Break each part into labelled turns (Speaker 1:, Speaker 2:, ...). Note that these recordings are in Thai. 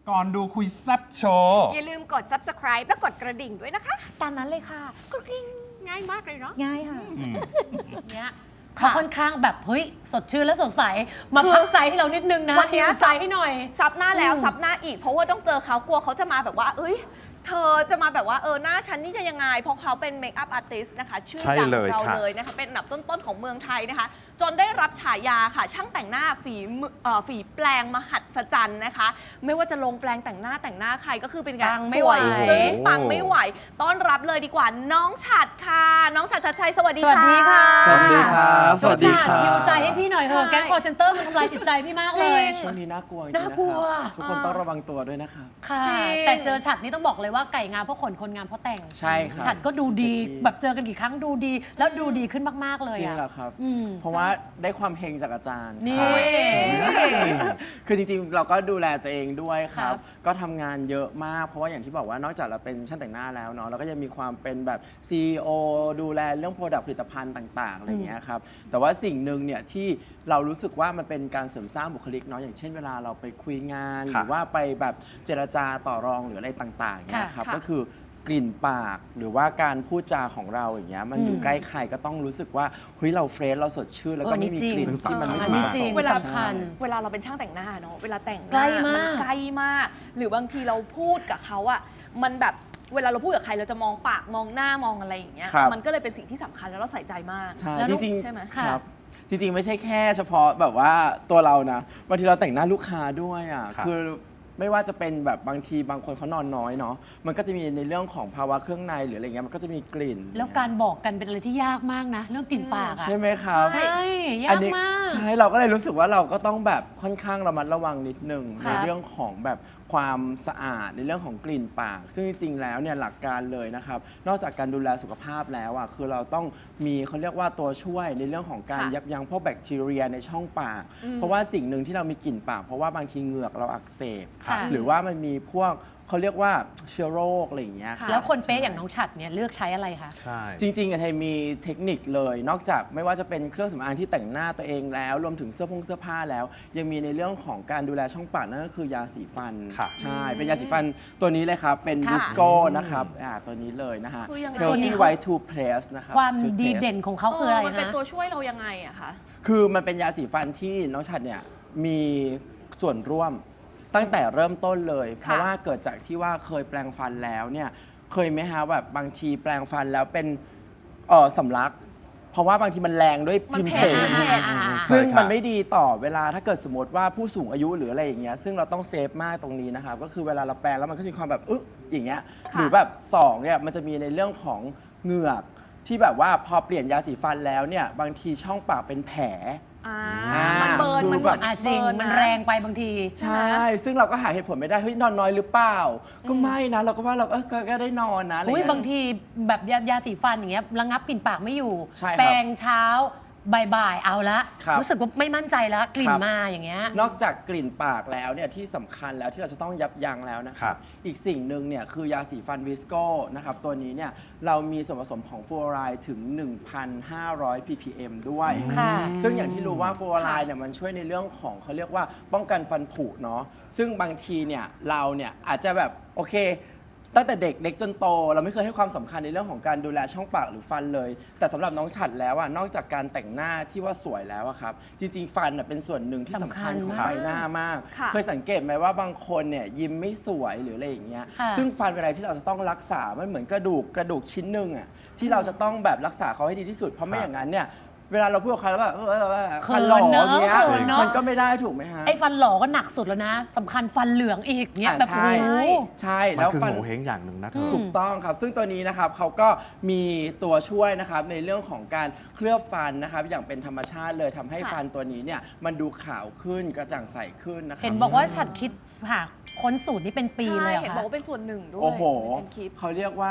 Speaker 1: ก่อนดูคุยแซ่บโชว์
Speaker 2: อย่าลืมกด subscribe และกดกระดิ่งด้วยนะคะ
Speaker 3: ตามนั้นเลยค่ะ
Speaker 2: กระดิ่งง่ายมากเลยเนาะ
Speaker 3: ง่ายค่ะ
Speaker 4: เนี้ยเขาค่อนข้างแบบเฮ้ยสดชื่นและสดใสมา
Speaker 2: คือ
Speaker 4: พักใจให้เรานิดนึงนะ
Speaker 2: วันเนี้ย
Speaker 4: ฮิวใจให้หน่อย
Speaker 2: ซับหน้าแล้วซับหน้าอีก เพราะว่าต้องเจอเขากลัวเขาจะมาแบบว่า เอ้ย เธอจะมาแบบว่าหน้าฉันนี่จะยังไง เพราะเขาเป็นเมคอัพอาร์ติสต์นะคะ ชื่อ
Speaker 1: ใช่
Speaker 2: ดัง
Speaker 1: เล
Speaker 2: ขอย งเรา
Speaker 1: ค่ะ
Speaker 2: เลยนะคะ เป็นอันดับต้นๆของเมืองไทยนะคะ จนได้รับฉายาค่ะ ช่างแต่งหน้าฝีแปลงมหัศจรรย์นะคะ ไม่ว่าจะลงแปลงแต่งหน้าใครก็คือเป็นการ
Speaker 4: ปังไม่
Speaker 2: ส
Speaker 4: ไหว
Speaker 2: วยจึ้งปังไม่ไหว ต้อนรับเลยดีกว่า น้องฉัดค่ะ น้องฉัดชัดชัยสวัสดี
Speaker 4: สวัสดีค่ะ
Speaker 5: สวัสดีครับสวัสดีครับ
Speaker 4: ฮิวใจให้พี่หน่อยเถอะ
Speaker 2: ใช่
Speaker 4: แก๊งคอร์เซนเตอร์มันทำลายจิตใจพี่มากเลย
Speaker 5: ช่วงนี้น่ากลัวจริงๆ
Speaker 4: น่ากลัว
Speaker 5: นะครับทุกคนต้องระวังตัวด้วยนะครับ
Speaker 4: ค่ะ
Speaker 2: จริง
Speaker 4: แต่เจอฉัดนี่ต้องบอกเลยว่าไก่งามเพราะขนคนงามเพราะแต่ง
Speaker 5: ใช่ครับ
Speaker 4: ฉัดก็ดูดี
Speaker 5: เด็กดี
Speaker 4: แบบเจอกันกี่ครั้งดูดี แล้วดูดีขึ้นมากๆเลย
Speaker 5: จริง
Speaker 4: อะ
Speaker 5: เหรอครับ
Speaker 4: อืม
Speaker 5: เพราะว่าได้ความเฮงจากอาจารย์
Speaker 4: นี่
Speaker 5: ครับคือจริงๆ เราก็ดูแลตัวเองด้วยครั
Speaker 4: ครับ บ
Speaker 5: ก็ทำงานเยอะมาก เพราะว่าอย่างที่บอกว่านอกจากเราเป็นช่างแต่งหน้าแล้วเนาะเราก็จะมีความเป็นแบบ CEO ดูแลเรื่องโปรดักต์ผลิตภัณฑ์ต่างๆอะไรอย่างเงี้ยครับแต่ว่าสิ่งหนึ่งเนี่ยที่เรารู้สึกว่ามันเป็นการเสริมสร้างบุคลิกเนาะอย่างเช่นเวลาเราไปคุยงาน ห
Speaker 1: ค่ะ
Speaker 5: รือว่าไปแบบเจรจาต่อรองหรืออะไรต่างๆเนี่ยครับ
Speaker 2: ค่ะ
Speaker 5: ก็คือกลิ่นปากหรือว่าการพูดจาของเราอย่างเงี้ยมันอยู่ใกล้ใครก็ต้องรู้สึกว่าเฮ้ยเราเฟรชเราสดชื่นแล้วก็ไม่มีกลิ่นที่มันไม่
Speaker 4: อัน
Speaker 5: พึง
Speaker 4: นี้
Speaker 5: ประ
Speaker 4: จ
Speaker 5: ส
Speaker 4: ริ
Speaker 5: ง
Speaker 4: ง
Speaker 5: ค์
Speaker 2: เวลา
Speaker 4: สำคัญ
Speaker 2: เวลาเราเป็นช่างแต่งหน้าเนาะเวลาแต่งห
Speaker 4: ใกล้
Speaker 2: น้าม
Speaker 4: าก
Speaker 2: นใกล้มาก หรือบางทีเราพูดกับเขาอะมันแบบเวลาเราพูดกับใครเราจะมองปากมองหน้ามองอะไรอย่างเงี้ย
Speaker 5: ครับ
Speaker 2: มันก็เลยเป็นสิ่งที่สำคัญแล้วเราใส่ใจมาก
Speaker 5: ใช่
Speaker 4: แล้ว
Speaker 5: จ
Speaker 4: ลูก
Speaker 5: ริง
Speaker 2: ใช่ไหม
Speaker 5: ๆครับจริงๆ ไม่ใช่แค่เฉพาะแบบว่าตัวเรานะบางทีเราแต่งหน้าลูกค้าด้วยอ่ะ
Speaker 1: ครับ
Speaker 5: คือไม่ว่าจะเป็นแบบบางทีบางคนเขานอนน้อยเนาะมันก็จะมีในเรื่องของภาวะเครื่องในหรืออะไรเงี้ยมันก็จะมีกลิ่น
Speaker 4: แล้วการบอกกันเป็นอะไรที่ยากมากนะ เรื่องกลิ่นปากอะ
Speaker 5: ใช่ไหมครับ
Speaker 4: ใช่ยา
Speaker 5: อัน
Speaker 4: ก
Speaker 5: นี้
Speaker 4: มาก
Speaker 5: ใช่เราก็เลยรู้สึกว่าเราก็ต้องแบบค่อนข้างระมัดระวังนิดนึง
Speaker 4: ครั
Speaker 5: ใน
Speaker 4: บ
Speaker 5: เรื่องของแบบความสะอาดในเรื่องของกลิ่นปาก ซึ่งจริงๆแล้วเนี่ยหลักการเลยนะครับนอกจากการดูแลสุขภาพแล้วอ่ะคือเราต้องมีเขาเรียกว่าตัวช่วยในเรื่องของการ
Speaker 2: ค่ะ
Speaker 5: ยับยั้งพวกแบคทีเรียในช่องปาก เพราะว่าสิ่งหนึ่งที่เรามีกลิ่นปาก เพราะว่าบางทีเหงือกเราอักเสบ
Speaker 4: ค่ะ
Speaker 5: หรือว่ามันมีพวกเขาเรียกว่าเชื้อโรคอะไรอย่างเงี้ย
Speaker 2: ค่ะ
Speaker 4: แล้วคนเป๊ะอย่างน้องฉัดเนี่ยเลือกใช้อะไรคะ
Speaker 1: ใช่
Speaker 5: จริงๆอะไทยมีเทคนิคเลย นอกจากไม่ว่าจะเป็นเครื่องสำอางที่แต่งหน้าตัวเองแล้ว รวมถึงเสื้อผ้าแล้ว ยังมีในเรื่องของการดูแลช่องปากนั่นก็คือยาสีฟัน
Speaker 1: ค่ะ
Speaker 5: ใช่ เป็นยาสีฟันตัวนี้เลยครับ เป็น
Speaker 2: ค่ะ
Speaker 5: วิสโก้นะครับตัวนี้เลยนะฮะ
Speaker 2: คือยังไง
Speaker 5: Healthy White Toothpaste นะครับ
Speaker 4: ความ
Speaker 5: Toothpaste
Speaker 4: ดีเด่นของเขาคืออะไร
Speaker 2: มันเป็น
Speaker 4: นะ
Speaker 2: ตัวช่วยเรายังไงอะคะ
Speaker 5: คือมันเป็นยาสีฟันที่น้องฉัดเนี่ยมีส่วนร่วมตั้งแต่เริ่มต้นเลย เพราะว่าเกิดจากที่ว่าเคยแปลงฟันแล้วเนี่ยเคยไหมฮะแบบบางทีแปลงฟันแล้วเป็นสำลัก เพราะว่าบางทีมันแรงด้วยพิมพ์เสน
Speaker 2: มันเผ็ด
Speaker 5: ซึ่ง
Speaker 1: ใช่ครับ
Speaker 5: มันไม่ดีต่อเวลาถ้าเกิดสมมติว่าผู้สูงอายุหรืออะไรอย่างเงี้ยซึ่งเราต้องเซฟมากตรงนี้นะครับก็คือเวลาเราแปลงแล้วมันก็จะมีความแบบอย่างเงี้ย
Speaker 2: ค่ะ
Speaker 5: หรือแบบสองเนี่ยมันจะมีในเรื่องของเหงือกที่แบบว่าพอเปลี่ยนยาสีฟันแล้วเนี่ยบางทีช่องปากเป็นแผล
Speaker 2: มันเบิร์น
Speaker 5: คือ
Speaker 2: มันเหมือน
Speaker 4: จริง
Speaker 2: เบิร์
Speaker 4: มัน
Speaker 2: นะ
Speaker 4: แรงไปบางที
Speaker 5: ใช่ ซึ่งเราก็หาเหตุผลไม่ได้ เฮ้ย นอนน้อยหรือเปล่า ก็ไม่นะ เราก็ว่าเราก็ได้นอนนะอะไร
Speaker 4: อุ้ย
Speaker 5: เงี้ย
Speaker 4: บางทีแบบยาสีฟันอย่างเงี้ยระงับกลิ่นปากไม่อยู่
Speaker 5: ใช่ครับ
Speaker 4: แปรงเช้าบ่ายๆเอาละ
Speaker 5: ครับ
Speaker 4: รู้สึกว่าไม่มั่นใจแล้วกลิ่
Speaker 5: คน รับ
Speaker 4: มาอย่างเงี้ย
Speaker 5: นอกจากกลิ่นปากแล้วเนี่ยที่สำคัญแล้วที่เราจะต้องยับยั้งแล้วนะค
Speaker 1: ครั
Speaker 5: รับ
Speaker 1: บ
Speaker 5: อีกสิ่งหนึ่งเนี่ยคือยาสีฟันวิสโก้นะครับตัวนี้เนี่ยเรามีส่วนผสมของฟลูออไรด์ถึง 1,500 ppm ด้วย
Speaker 4: ค่ะ
Speaker 5: ซึ่งอย่างที่รู้ว่าฟลูออไรด์เนี่ยมันช่วยในเรื่องของเขาเรียกว่าป้องกันฟันผุเนาะซึ่งบางทีเนี่ยเราเนี่ยอาจจะแบบโอเค ตั้งแต่เด็กจนโตเราไม่เคยให้ความสำคัญในเรื่องของการดูแลช่องปากหรือฟันเลย แต่สำหรับน้องฉัดแล้วอะนอกจากการแต่งหน้าที่ว่าสวยแล้วอะครับจริงๆฟันอะเป็นส่วนหนึ่งที่สำคัญของ
Speaker 4: สำคัญมาก
Speaker 5: ใบหน้ามาก
Speaker 2: ค่ะ
Speaker 5: เคยสังเกตไหมว่าบางคนเนี่ยยิ้มไม่สวยหรืออะไรอย่างเงี้ย
Speaker 4: ค่ะ
Speaker 5: ซึ่งฟันเป็นอะไรที่เราจะต้องรักษามันเหมือนกระดูกชิ้นหนึ่งอะที่เราจะต้องแบบรักษาเขาให้ดีที่สุดเพราะไม่อย่างนั้นเนี่ยเวลาเราพูดกับใครแล้วแบบฟันหล่ออย่างเงี้ย
Speaker 4: เขินเนอะ
Speaker 5: มันก็ไม่ได้ถูกไหมฮะ
Speaker 4: ไอ้ฟันหล่อก็หนักสุดแล้วนะสำคัญฟันเหลืองอีกเงี้ย
Speaker 5: อ่า
Speaker 4: แบบ
Speaker 5: ใช่
Speaker 4: โอ้โห
Speaker 5: ใช่
Speaker 1: มัน
Speaker 5: แล้ว
Speaker 1: คือ
Speaker 5: ฟัน
Speaker 1: โงเฮงอย่างหนึ่งนะเธอ
Speaker 5: ถูกต้องครับ ซึ่งตัวนี้นะครับเขาก็มีตัวช่วยนะครับในเรื่องของการเคลือบฟันนะครับอย่างเป็นธรรมชาติเลยทำให้
Speaker 2: ค่ะ
Speaker 5: ฟันตัวนี้เนี่ยมันดูขาวขึ้นกระจ่างใสขึ้นนะครับ
Speaker 4: เห็นบอกว่าฉัดคิดหาค้นสูตรนี้เป็นปีเลยเหรอ
Speaker 2: เห็น
Speaker 4: คะ
Speaker 2: บอกว่าเป็นส่วนหนึ่งด้วย
Speaker 5: โอ้โห
Speaker 2: เป็นคลิป
Speaker 5: เขาเรียกว่า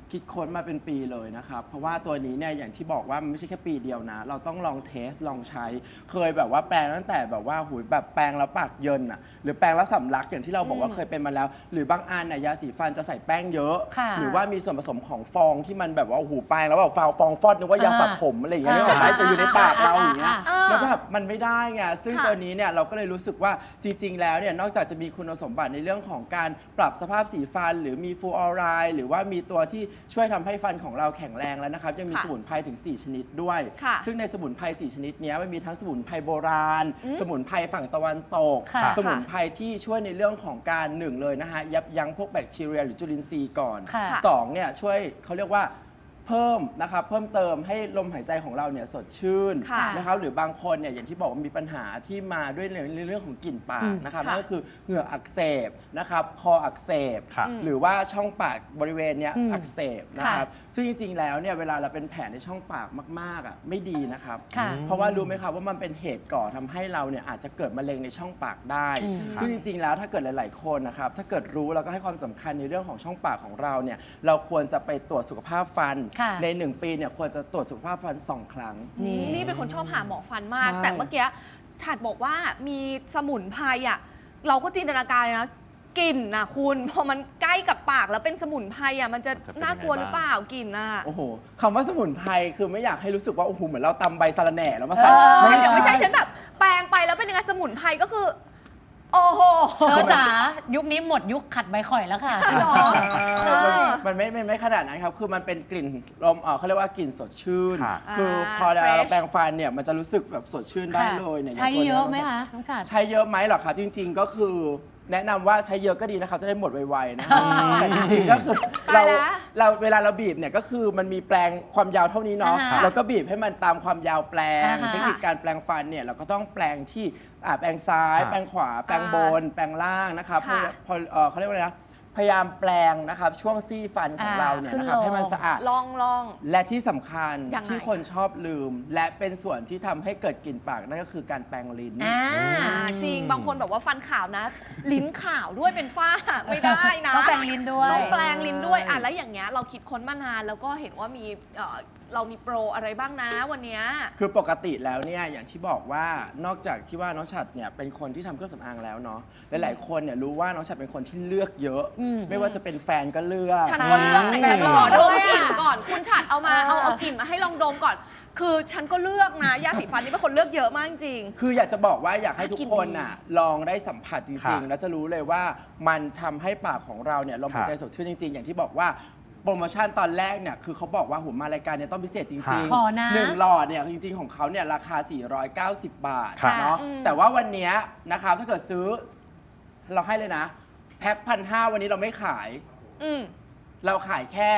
Speaker 5: คิดค้นมาเป็นปีเลยนะครับ เพราะว่าตัวนี้เนี่ยอย่างที่บอกว่ามันไม่ใช่แค่ปีเดียวนะ เราต้องลองเทสลองใช้ เคยแบบว่าแปรงตั้งแต่แบบว่าหูยแบบแปรงแล้วปากเยินอ่ะหรือแปรงแล้วสำลักอย่างที่เราบอกว่าเคยเป็นมาแล้ว หรือบางอันน่ะยาสีฟันจะใส่แป้งเยอะ
Speaker 4: ค่ะ
Speaker 5: หรือว่ามีส่วนผสมของฟองที่มันแบบว่าหูแปรงแล้วแบบฟองฟอดนึกว่ายาสระผมอะไรอย่างเงี้ยนึกออกไหมจะอยู่ในปากเราอย่างเงี้ย แล้วแบบมันไม่ได้ไงซึ่ง
Speaker 2: ค่ะ
Speaker 5: ตัวนี้เนี่ยเราก็เลยรู้สึกว่าจริง ๆ แล้วเนี่ยนอกจากจะมีคุณสมบัติในเรื่องของการปรับสภาพสีฟัน หรือมีฟลูออไรด์หรือว่ามีตัวที่ช่วยทำให้ฟันของเราแข็งแรงแล้วนะครับยังมี
Speaker 2: ค่ะ
Speaker 5: สมุนไพรถึง 4 ชนิดด้วย
Speaker 2: ค่ะ
Speaker 5: ซึ่งในสมุนไพร 4 ชนิดเนี้ยมันมีทั้งสมุนไพรโบราณ สมุนไพรฝั่งตะวันตก
Speaker 4: ค่ะ
Speaker 5: สมุนไพรที่ช่วยในเรื่องของการหนึ่งเลยนะฮะยับยั้งพวกแบคทีเรียหรือจุลินทรีย์ก่อน
Speaker 4: ค่ะ
Speaker 5: สองเนี่ยช่วยเขาเรียกว่าเพิ่มนะครับเพิ่มเติมให้ลมหายใจของเราเนี่ยสดชื่น
Speaker 2: ค่ะ
Speaker 5: นะครับหรือบางคนเนี่ยอย่างที่บอกว่ามีปัญหาที่มาด้วยในเรื่องของกลิ่นปากนะครับ
Speaker 2: ค่ะ
Speaker 5: นั่นก็คือเหงือกอักเสบนะครับคออักเสบ
Speaker 1: ค่ะ
Speaker 5: หรือว่าช่องปากบริเวณเนี้ยอักเสบนะครับ
Speaker 2: ค่ะ
Speaker 5: ซึ่งจริงๆแล้วเนี่ยเวลาเราเป็นแผลในช่องปากมากๆอ่ะไม่ดีนะครับ
Speaker 4: ค่ะ
Speaker 5: เพราะว่ารู้ไหมครับว่ามันเป็นเหตุก่อทำให้เราเนี่ยอาจจะเกิดมะเร็งในช่องปากได้ ซึ่งจริงๆแล้วถ้าเกิดหลายๆคนนะครับถ้าเกิดรู้แล้วก็ให้ความสำคัญในเรื่องของช่องปากของเราเนี่ยเราควรจะไปตรวจสุขภาพฟัน
Speaker 4: ค่ะ
Speaker 5: ใน 1 ปีเนี่ยควรจะตรวจสุขภาพฟัน 2 ครั้ง
Speaker 2: นี่เป็นคนชอบหาหมอฟันมาก
Speaker 5: ใช่
Speaker 2: แต่เมื่อกี้ฉัดบอกว่ามีสมุนไพรอ่ะเราก็จินตนาการเลยนะกลิ่นนะคุณพอมันใกล้กับปากแล้วเป็นสมุนไพรอ่ะมันจะ
Speaker 1: มันจะเป็น
Speaker 2: น่ากลัว
Speaker 1: ยังไง
Speaker 2: หรือเปล่ากลิ่นอ่ะ
Speaker 5: โอ้โหคำว่าสมุนไพรคือไม่อยากให้รู้สึกว่าโอ้โหเหมือนเราตำใบสะระแหน่แล้วมาใส่
Speaker 2: เดี๋ยวไม่ใช่ฉันแบบแปลงไปแล้วเป็นยังไงสมุนไพรก็คือ โอ้โห
Speaker 4: เธอจ๋ายุคนี้หมดยุคขัดใบข่อยแล้วค่ะ
Speaker 2: หรอ
Speaker 4: ใช่
Speaker 5: มันไม่ขนาดนั้นครับ คือมันเป็นกลิ่นลมเขาเรียกว่ากลิ่นสดชื่น
Speaker 1: ค่ะ
Speaker 5: คือพอ
Speaker 2: fresh
Speaker 5: เราแปรงฟันเนี่ยมันจะรู้สึกแบบสดชื่นได้
Speaker 4: ค่ะ
Speaker 5: เลยเนี่ย
Speaker 4: ใช้
Speaker 5: างตัว
Speaker 4: เย
Speaker 5: นี้
Speaker 4: อะไหมคะน้องฉัด
Speaker 5: ใช้เยอะไหมเหรอครับจริง ๆ ก็คือแนะนำว่าใช้เยอะก็ดีนะครับจะได้หมดไวๆนะครับแต่จริงๆก็คือ
Speaker 2: ตายแล้ว
Speaker 5: เราเวลาเราบีบเนี่ยก็คือมันมีแปลงความยาวเท่านี้เนาะ
Speaker 4: อ่าฮะ
Speaker 5: แล้วก็บีบให้มันตามความยาวแปลง
Speaker 4: อ่าฮะ
Speaker 5: เทคนิคการแปลงฟันเนี่ยเราก็ต้องแปลงที่แปลงซ้าย
Speaker 1: ค่ะ
Speaker 5: แปลงขวาแปลงบน แปลงล่างนะครับ
Speaker 2: ค่ะ
Speaker 5: พอเขาเรียกว่าอะไรนะพยายามแปลงนะครับช่วงซี่ฟันของเราเนี่ยนะครับ
Speaker 4: ขึ้นลง
Speaker 5: ให้มันสะอาด
Speaker 2: ลอง
Speaker 5: และที่สำคัญ
Speaker 2: ยังไง
Speaker 5: ที่คนชอบลืม และเป็นส่วนที่ทำให้เกิดกลิ่นปากนั่นก็คือการแปรงลิ้น
Speaker 2: จริงบางคนบอกว่าฟันขาวนะ ลิ้นขาวด้วยเป็นฝ้า ไม่ได้นะ
Speaker 4: ต้องแปรงลิ้นด้วย
Speaker 2: ต้องแปลงลิ้นด้วยแล้วอย่างเงี้ยเราคิดค้นมานานแล้วก็เห็นว่ามีเรามีโปรอะไรบ้างนะวันเนี้ย
Speaker 5: คือปกติแล้วเนี่ยอย่างที่บอกว่านอกจากที่ว่าน้องฉัดเนี่ยเป็นคนที่ทำเครื่องสำอางแล้วเนาะหลายๆคนเนี่ยรู้ว่าน้องฉัดเป็นคนที่เลือกเยอะ ไม่ว่าจะเป็นแฟนก็เลือก
Speaker 2: ฉันก็เลือกแต่ฉันขอดมกลิ่นก่อน คุณฉัดเอามา
Speaker 4: เออ
Speaker 2: เอากลิ่นมาให้ลองดมก่อน คือฉันก็เลือกนะยาสีฟันนี่เป็นคนเลือกเยอะมากจริง
Speaker 5: คืออยากจะบอกว่าอยากให้ทุกคน
Speaker 2: กินดี
Speaker 5: น่ะลองได้สัมผัสจริง
Speaker 1: ค่ะ
Speaker 5: ๆ แล้วจะรู้เลยว่ามันทำให้ปากของเราเนี่ยลมหายใจ
Speaker 1: ค่ะ
Speaker 5: สดชื่นจริง ๆ อย่างที่บอกว่าโปรโมชั่นตอนแรกเนี่ยคือเขาบอกว่าหุ่มารายการเนี่ยต้องพิเศษจริง
Speaker 1: ค่ะ
Speaker 4: ขอนะ
Speaker 5: หนึ่งหลอดเนี่ยจริง ๆ ของเขาเนี่ยราคา 490 บาท
Speaker 1: ค่ะ
Speaker 5: เนาะ
Speaker 2: อืม
Speaker 5: แต่ว่าวันเนี้ยนะครับถ้าเกิดซื้อเราให้เลยนะ แพ็ค1,500วันนี้เราไม่ขาย
Speaker 2: อืม
Speaker 5: เราขายแค่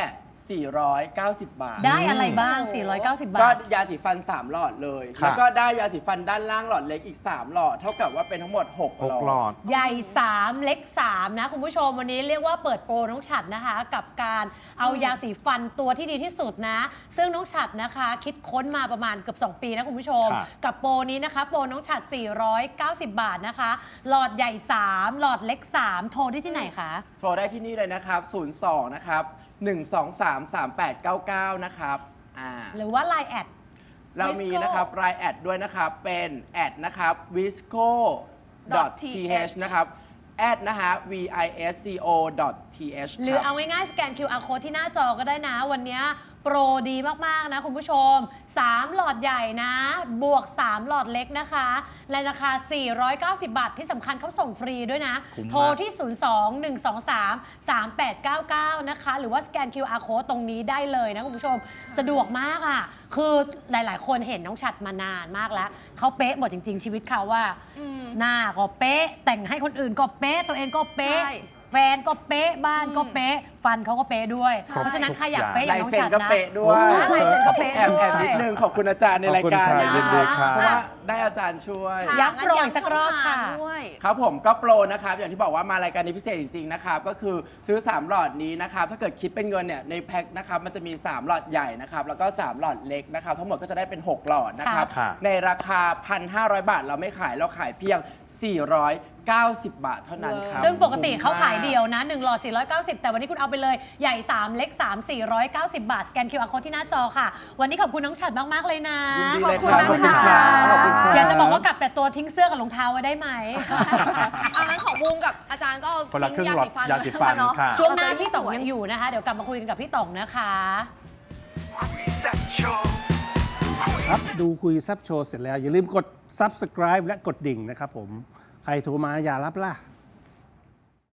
Speaker 5: 490 บาท
Speaker 4: ได้อะไรบ้าง 490 บา
Speaker 5: ก็
Speaker 4: ท
Speaker 5: ยาสีฟัน 3 หลอดเลย
Speaker 1: ค่ะ
Speaker 5: แล้วก็ได้ยาสีฟันด้านล่างหลอดเล็กอีก 3 หลอด เท่ากับว่าเป็นทั้งหมด 6
Speaker 1: 6 หลอด
Speaker 4: ใหญ่ 3 เล็ก 3 นะ คุณผู้ชมวันนี้เรียกว่าเปิดโปรน้องฉัดนะคะ กับการเอายาสีฟันตัวที่ดีที่สุดนะ ซึ่งน้องฉัดนะคะ คิดค้นมาประมาณเกือบ 2 ปีนะคุณผู้ชม
Speaker 1: ค่ะ
Speaker 4: กับโปรนี้นะคะ โปรน้องฉัด 490 บาทนะคะ หลอดใหญ่ 3 หลอดเล็ก 3 โทรได้ที่ไหนคะ
Speaker 5: โทรได้ที่นี่เลยนะครับ 02 นะครับ 1233899 นะครับ
Speaker 4: หรือว่า Line แอด
Speaker 5: เรามีนะครับรายแอดด้วยนะครับ เป็นแอดนะครับ visco th นะครับแอดนะฮะ visco th
Speaker 4: หรือ
Speaker 5: ค
Speaker 4: เอา
Speaker 5: รับ
Speaker 4: ง่ายๆสแกน QR code ที่หน้าจอก็ได้นะ วันนี้โปรดีมาก ๆ นะคุณผู้ชม 3 หลอดใหญ่นะ บวก 3 หลอดเล็กนะคะในราคา 490 บาทที่สำคัญเขาส่งฟรีด้วยนะ
Speaker 1: คุ้มมาก
Speaker 4: โทรที่ 02-123-3899 นะคะ หรือว่าสแกน QR code ตรงนี้ได้เลยนะคุณผู้ชม สะดวกมากอ่ะ คือหลายๆ คนเห็นน้องฉัดมานานมากแล้ว เขาเป๊ะหมดจริง ๆ ชีวิตเขาว่า
Speaker 2: อืม
Speaker 4: หน้าก็เป๊ะ แต่งให้คนอื่นก็เป๊ะ ตัวเองก็เป๊ะ
Speaker 2: ใช่
Speaker 4: แฟนก็เป๊ะ บ้านก็เป๊ะ ฟันเขาก็เป๊ะด้วย
Speaker 1: ครบ
Speaker 4: เพราะฉะนั้น
Speaker 1: ทุก
Speaker 4: ใครอยาก
Speaker 1: อย่าง
Speaker 4: เป๊ะอย่างน้อง
Speaker 5: ลายเซ็น
Speaker 4: ฉัด
Speaker 5: ก็
Speaker 4: นะ
Speaker 5: เป๊ะด้วย
Speaker 4: ลายเซ็นก็เป๊ะ
Speaker 5: แอบ
Speaker 4: ด้วย
Speaker 5: นิดนึงขอบคุณอาจารย์ในรายการ
Speaker 1: ขอบคุณค่ะ
Speaker 5: นะ
Speaker 1: ยินดีค่ะ
Speaker 5: เพราะว่าได้อาจารย์ช่วย
Speaker 2: ค่ะ
Speaker 4: ย้ำโปรอีกสักรอบค่ะ
Speaker 2: งั้นย้ำช่องทางด้วย
Speaker 5: ครับผมก็โปรนะครับ อย่างที่บอกว่ามารายการนี้พิเศษจริง ๆ นะครับ ก็คือซื้อ 3 หลอดนี้นะครับ ถ้าเกิดคิดเป็นเงินเนี่ยในแพ็คนะครับมันจะมี 3 หลอดใหญ่นะครับ แล้วก็ 3 หลอดเล็กนะครับ ทั้งหมดก็จะได้เป็น 6 หลอดนะครับ
Speaker 1: ค่ะ
Speaker 5: ในราคา 1,500 บาทเราไม่ขายเราขายเพียง 90 บาทเท่านั้นครับ
Speaker 4: ซึ่งปกติเขาขายเดียวนะ1หลอด490แต่วันนี้คุณเอาไปเลยใหญ่3เล็ก3 490 บาทสแกน QR Code ที่หน้าจอค่ะวันนี้ขอบคุณน้องฉัดมากๆเลยนะ
Speaker 5: ยินดีเลยครับ
Speaker 2: ขอบคุณนะคะ
Speaker 5: ขอบคุณครับ
Speaker 4: อยากจะบอกว่ากลับแต่ตัวทิ้งเสื้อกับรองเท้าไว้ได้ไหม
Speaker 2: เอางั้นของบูมกับอาจารย์ก็
Speaker 1: คนละครึ่ง
Speaker 2: ทิ้
Speaker 1: หลอดยาสีฟัน
Speaker 2: เนาะ
Speaker 1: ค่ะ
Speaker 4: ช่วงหน้าพี่ต๋องยังอยู่นะคะ เดี๋ยวกลับมาคุยกันกับพี่ต๋องนะคะ
Speaker 3: ครับดูคุยแซบโชว์เสร็จแล้ว อย่าลืมกด subscribe และกดดิ่งนะครับผม ใครโทรมาอย่ารับล่ะ